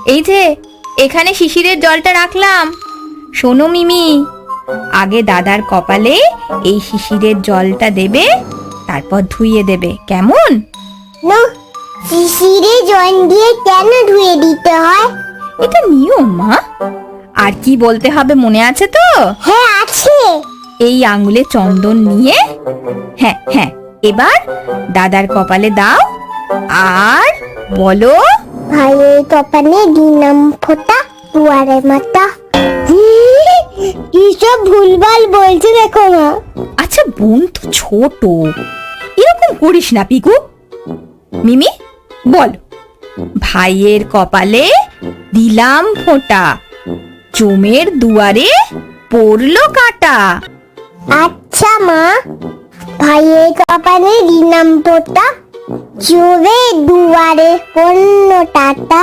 এই যে এখানে শিশিরের জলটা রাখলাম। শোনো মিমি, আগে দাদার কপালে এই শিশিরের জলটা দেবে, তারপর ধুইয়ে দেবে, কেমন? না, শিশিরে জল দিয়ে কেন ধুয়ে দিতে হয়? এটা নিয়ম মা। আর কি বলতে হবে মনে আছে তো? হ্যাঁ আছে। এই আঙ্গুলে চন্দন নিয়ে, হ্যাঁ হ্যাঁ, এবার দাদার কপালে দাও আর বলো, ভাইয়ের কপালে দিলাম ফোঁটা দুয়ারে মাতা। কিসব ভুলভাল বলছে দেখো না। আচ্ছা বোন তো ছোট, এরকম করিস না পিকু। মিমি বল, ভাইয়ের কপালে দিলাম ফোঁটা, জমের দুয়ারে পড়লো কাঁটা। আচ্ছা মা, ভাইয়ের কপালে দিলাম ফোঁটা, জোরে দুয়ারে পড়ল টাটা।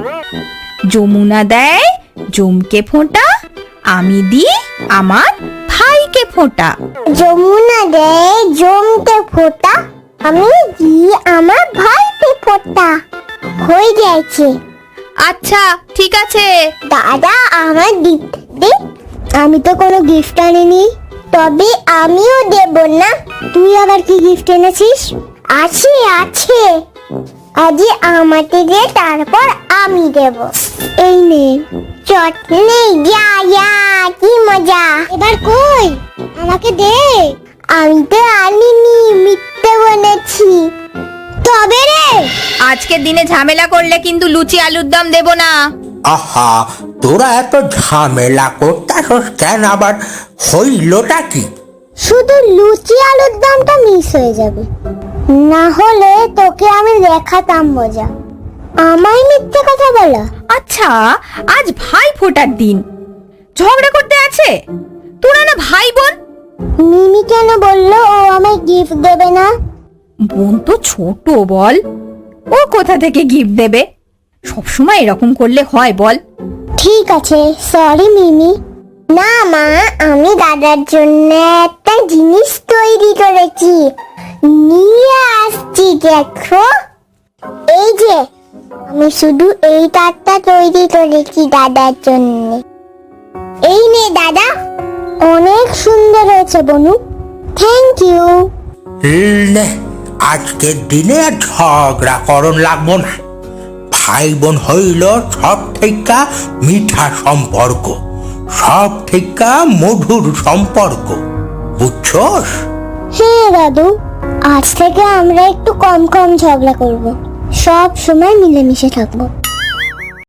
যমুনা দেয় জমকে ফোঁটা, আমি দিই আমার ভাইকে ফোঁটা। যমুনা দেয় জমতে ফোঁটা, আমি দিই আমার ভাইকে ফোঁটা। হয়ে গেছে। আচ্ছা ঠিক আছে। দাদা আমার গিফট দে। আমি তো কোনো গিফট আনিনি। তবে আমিও দেব না। তুই আবার কি গিফট এনেছিস? আছে আছে, আজ আমাকে দে, তারপর আমি দেব। এই নে চটনি, যা যা, কি মজা। এবার কই, আমাকে দে। আমি তো আনিনি, মিথ্যে বলেছি। তবে রে, আজকের দিনে ঝামেলা করলে কিন্তু লুচি আলুর দম দেব না। আহা, তোরা এত ঝামেলা করতাস কেন? আবার হইলটা কি? শুধু লুচি আলুর দমটা মিস হয়ে যাবে, না হলে তোকে আমি দেখাতাম মজা। আমায় মিথ্যে কথা বলা। আচ্ছা আজ ভাই ফোঁটার দিন, ঝগড়া করতে আছে? তোরা না ভাই বোন? মিমি কেন বললো ও আমায় গিফট দেবে না? বোন তো ছোট, বল ও কোথা থেকে গিফট দেবে? সবসময় এরকম করলে হয় বল? ঠিক আছে, সরি মিমি। না মা, আমি দাদার জন্য একটা জিনিস তৈরি করেছি, নিয়ে আসছি দেখো। এই যে, আমি শুধু এই কার্ডটা তৈরি করেছি দাদার জন্য। এই নে দাদা, অনেক সুন্দর হয়েছে বনু। Thank you. লে, আজকের দিনে আর ঝগড়া করন লাগবো না। ভাই বোন হইল সব থেকে মিঠা সম্পর্ক, সব থেকে মধুর সম্পর্ক, বুঝছস? হ্যাঁ দাদু, আজ থেকে আমরা একটু কম কম ঝগড়া করব, সব সময় মিলেমিশে থাকবো।